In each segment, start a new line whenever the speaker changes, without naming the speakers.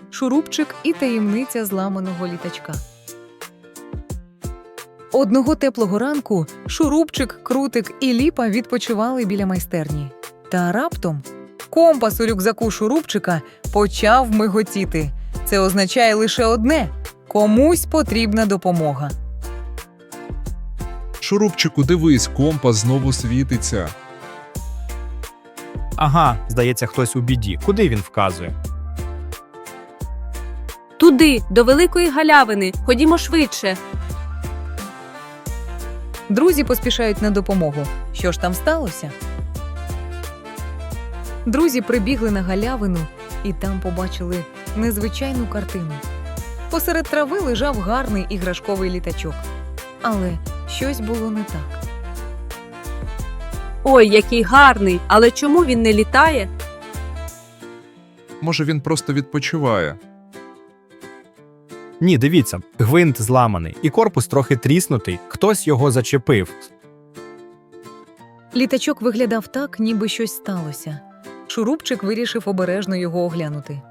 Шурупчик і таємниця зламаного літачка. Одного теплого ранку Шурупчик, Крутик і Ліпа відпочивали біля майстерні. Та раптом компас у рюкзаку Шурупчика почав миготіти. Це означає лише одне – комусь потрібна допомога.
Шурупчику, дивись, компас знову світиться.
Ага, здається, хтось у біді. Куди він вказує?
Туди, до великої галявини. Ходімо швидше.
Друзі поспішають на допомогу. Що ж там сталося? Друзі прибігли на галявину і там побачили незвичайну картину. Посеред трави лежав гарний іграшковий літачок. Але щось було не так.
Ой, який гарний, але чому він не літає?
Може, він просто відпочиває.
Ні, дивіться, гвинт зламаний і корпус трохи тріснутий. Хтось його зачепив.
Літачок виглядав так, ніби щось сталося. Шурупчик вирішив обережно його оглянути.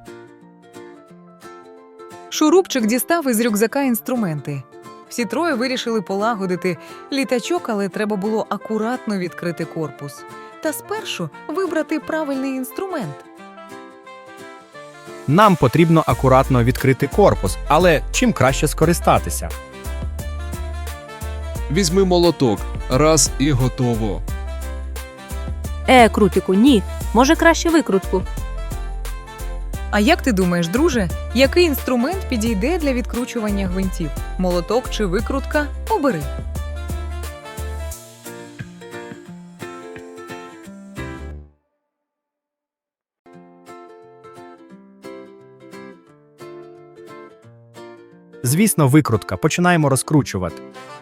Шурупчик дістав із рюкзака інструменти. Всі троє вирішили полагодити літачок, але треба було акуратно відкрити корпус. Та спершу вибрати правильний інструмент.
Нам потрібно акуратно відкрити корпус, але чим краще скористатися?
Візьми молоток. Раз і готово.
Крутику, ні. Може, краще викрутку.
А як ти думаєш, друже, який інструмент підійде для відкручування гвинтів? Молоток чи викрутка? Обери.
Звісно, викрутка. Починаємо розкручувати.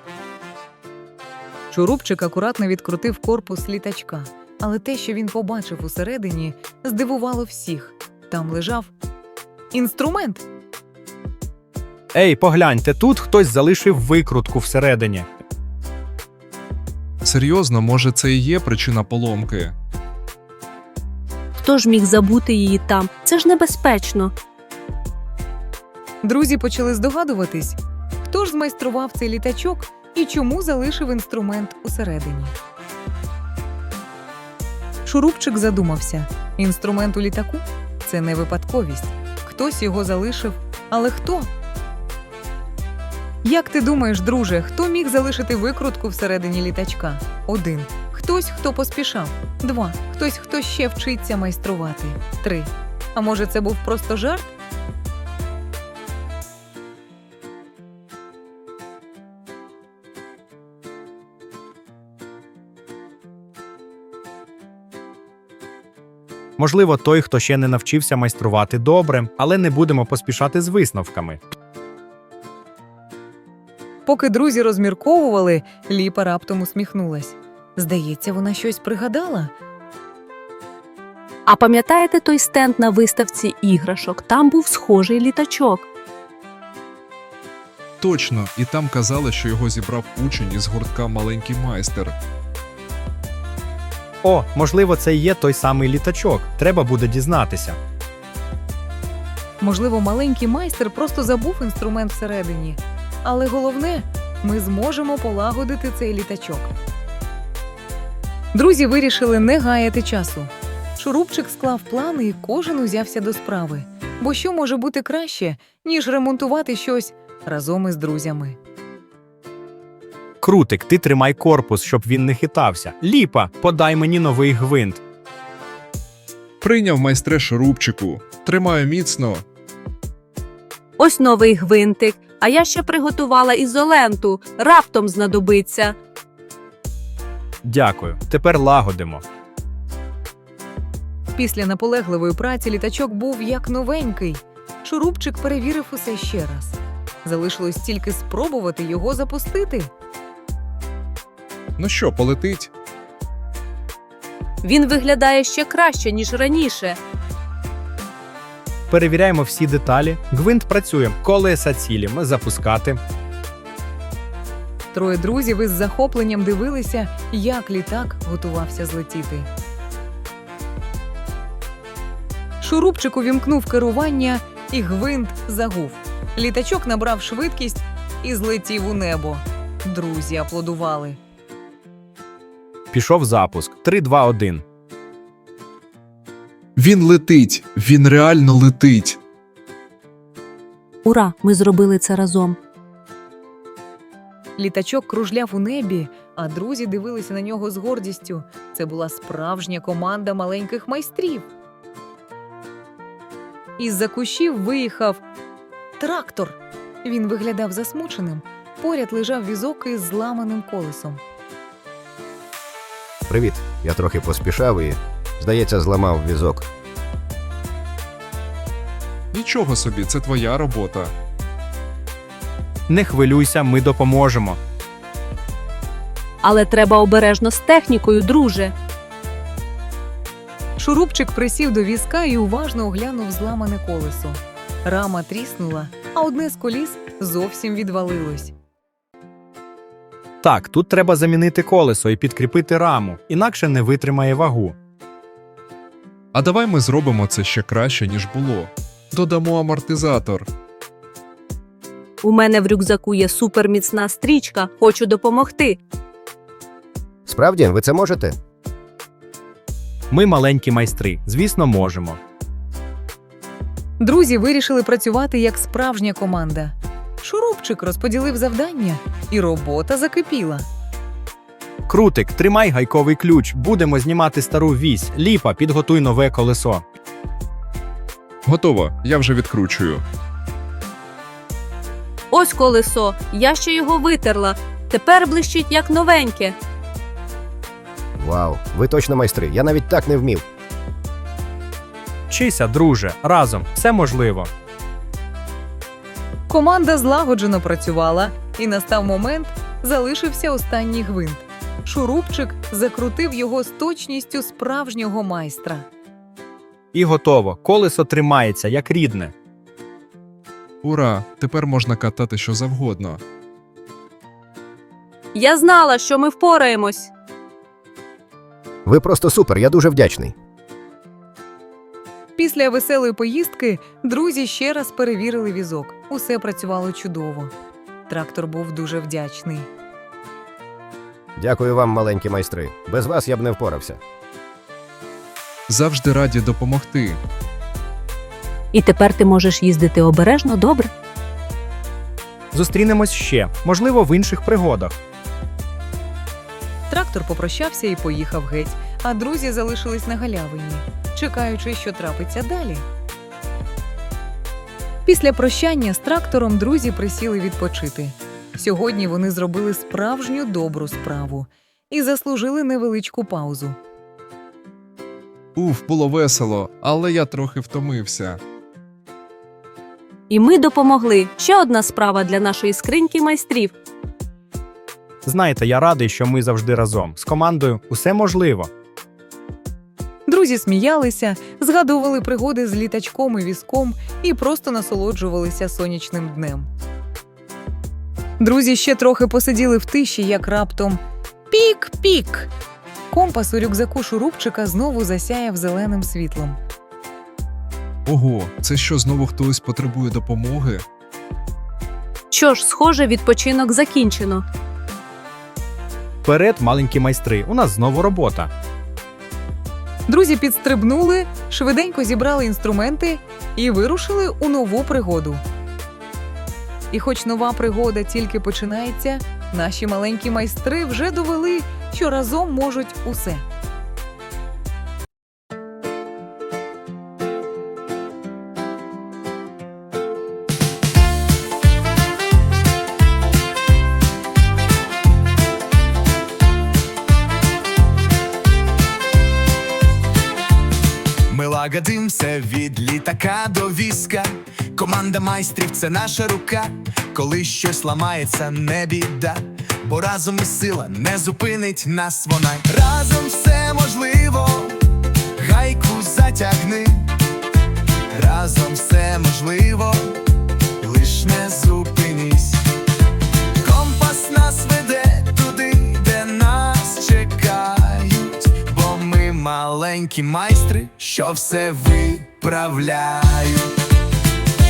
Шурупчик акуратно відкрутив корпус літачка. Але те, що він побачив усередині, здивувало всіх. Там лежав інструмент.
Ей, погляньте, тут хтось залишив викрутку всередині.
Серйозно, може, це і є причина поломки?
Хто ж міг забути її там? Це ж небезпечно.
Друзі почали здогадуватись, хто ж змайстрував цей літачок і чому залишив інструмент усередині. Шурупчик задумався. Інструмент у літаку – це не випадковість. Хтось його залишив, але хто? Як ти думаєш, друже, хто міг залишити викрутку всередині літачка? 1. Хтось, хто поспішав. 2. Хтось, хто ще вчиться майструвати. 3. А може, це був просто жарт?
Можливо, той, хто ще не навчився майструвати добре, але не будемо поспішати з висновками.
Поки друзі розмірковували, Ліпа раптом усміхнулась. Здається, вона щось пригадала.
А пам'ятаєте той стенд на виставці іграшок? Там був схожий літачок.
Точно, і там казали, що його зібрав учень із гуртка «Маленький майстер».
О, можливо, це і є той самий літачок. Треба буде дізнатися.
Можливо, маленький майстер просто забув інструмент всередині. Але головне, ми зможемо полагодити цей літачок. Друзі вирішили не гаяти часу. Шурупчик склав плани і кожен узявся до справи. Бо що може бути краще, ніж ремонтувати щось разом із друзями?
Крутик, ти тримай корпус, щоб він не хитався. Ліпа, подай мені новий гвинт.
Прийняв, майстре Шурупчику. Тримаю міцно.
Ось новий гвинтик. А я ще приготувала ізоленту. Раптом знадобиться.
Дякую. Тепер лагодимо.
Після наполегливої праці літачок був як новенький. Шурупчик перевірив усе ще раз. Залишилось тільки спробувати його запустити.
Ну що, полетить?
Він виглядає ще краще, ніж раніше.
Перевіряємо всі деталі. Гвинт працює. Колеса цілі. Ми запускати.
Троє друзів із захопленням дивилися, як літак готувався злетіти. Шурупчик увімкнув керування і гвинт загув. Літачок набрав швидкість і злетів у небо. Друзі аплодували.
Пішов запуск. 3, 2, 1.
Він летить, він реально летить.
Ура! Ми зробили це разом.
Літачок кружляв у небі, а друзі дивилися на нього з гордістю. Це була справжня команда маленьких майстрів. Із-за кущів виїхав трактор. Він виглядав засмученим. Поряд лежав візок із зламаним колесом.
Привіт. Я трохи поспішав і, здається, зламав візок.
Нічого собі, це твоя робота.
Не хвилюйся, ми допоможемо.
Але треба обережно з технікою, друже.
Шурупчик присів до візка і уважно оглянув зламане колесо. Рама тріснула, а одне з коліс зовсім відвалилось.
Так, тут треба замінити колесо і підкріпити раму, інакше не витримає вагу.
А давай ми зробимо це ще краще, ніж було. Додамо амортизатор.
У мене в рюкзаку є суперміцна стрічка. Хочу допомогти.
Справді, ви це можете?
Ми маленькі майстри, звісно, можемо.
Друзі вирішили працювати як справжня команда. Шурупчик розподілив завдання, і робота закипіла.
Крутик, тримай гайковий ключ, будемо знімати стару вісь. Ліпа, підготуй нове колесо.
Готово, я вже відкручую.
Ось колесо. Я ще його витерла. Тепер блищить як новеньке.
Вау, ви точно майстри. Я навіть так не вмів.
Вчися, друже, разом, все можливо.
Команда злагоджено працювала, і настав момент, залишився останній гвинт. Шурупчик закрутив його з точністю справжнього майстра.
І готово, колесо тримається, як рідне.
Ура, тепер можна катати що завгодно.
Я знала, що ми впораємось.
Ви просто супер, я дуже вдячний.
Після веселої поїздки друзі ще раз перевірили візок. Усе працювало чудово. Трактор був дуже вдячний.
Дякую вам, маленькі майстри. Без вас я б не впорався.
Завжди раді допомогти.
І тепер ти можеш їздити обережно, добре?
Зустрінемось ще, можливо, в інших пригодах.
Трактор попрощався і поїхав геть, а друзі залишились на галявині, чекаючи, що трапиться далі. Після прощання з трактором друзі присіли відпочити. Сьогодні вони зробили справжню добру справу і заслужили невеличку паузу.
Було весело, але я трохи втомився.
І ми допомогли. Ще одна справа для нашої скриньки майстрів.
Знаєте, я радий, що ми завжди разом. З командою усе можливо.
Друзі сміялися, згадували пригоди з літачком і візком і просто насолоджувалися сонячним днем. Друзі ще трохи посиділи в тиші, як раптом пік-пік! Компас у рюкзаку Шурупчика знову засяяв зеленим світлом.
Ого, це що, знову хтось потребує допомоги?
Що ж, схоже, відпочинок закінчено.
Вперед, маленькі майстри, у нас знову робота.
Друзі підстрибнули, швиденько зібрали інструменти і вирушили у нову пригоду. І хоч нова пригода тільки починається, наші маленькі майстри вже довели, що разом можуть усе.
Ми лагодим все від літака до візка. Команда майстрів – це наша рука. Коли щось ламається, не біда, бо разом і сила не зупинить нас вона. Разом все можливо, гайку затягни. Разом все можливо, лиш не зупинись. Компас нас веде туди, де нас чекають, бо ми маленькі майстри, що все виправляють.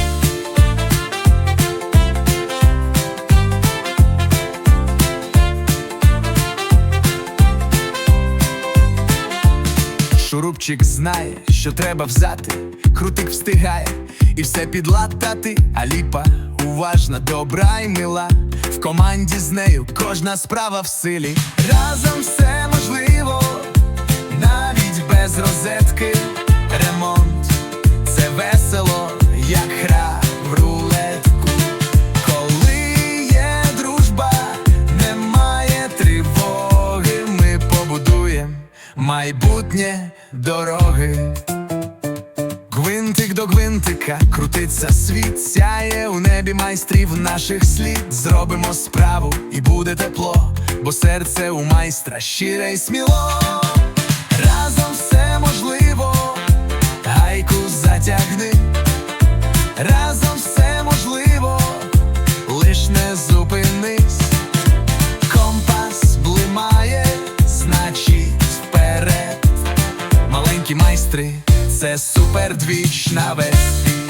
Шурупчик знає, що треба взяти, крутик встигає і все підлатати, а Ліпа уважна, добра й мила. В команді з нею кожна справа в силі. Разом все можливо, навіть без розетки. Ремонт – це весело, як гра в рулетку. Коли є дружба, немає тривоги. Ми побудуємо майбутнє дороги. Гвинтик до гвинтика крутиться світ, сяє у небі майстрів наших слід. Зробимо справу і буде тепло, бо серце у майстра щире й сміло. Разом все можливо, гайку затягни. Разом все можливо, лиш не зупинись. Компас блимає, значить вперед. Маленькі майстри – це супердвіж на весь світ.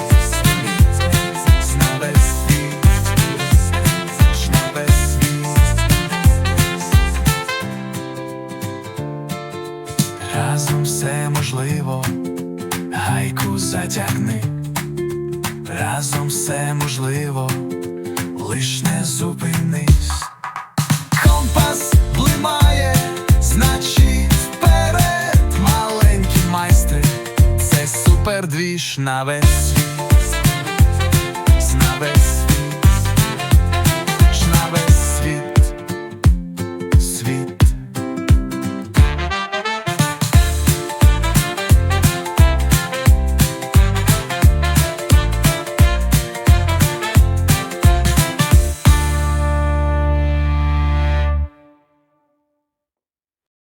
На весь світ. На весь світ. Разом все можливо, гайку затягни. Разом все можливо, лиш не зупинись. Компас блимає, значить вперед. Маленькі майстри – це супердвіж на весь світ.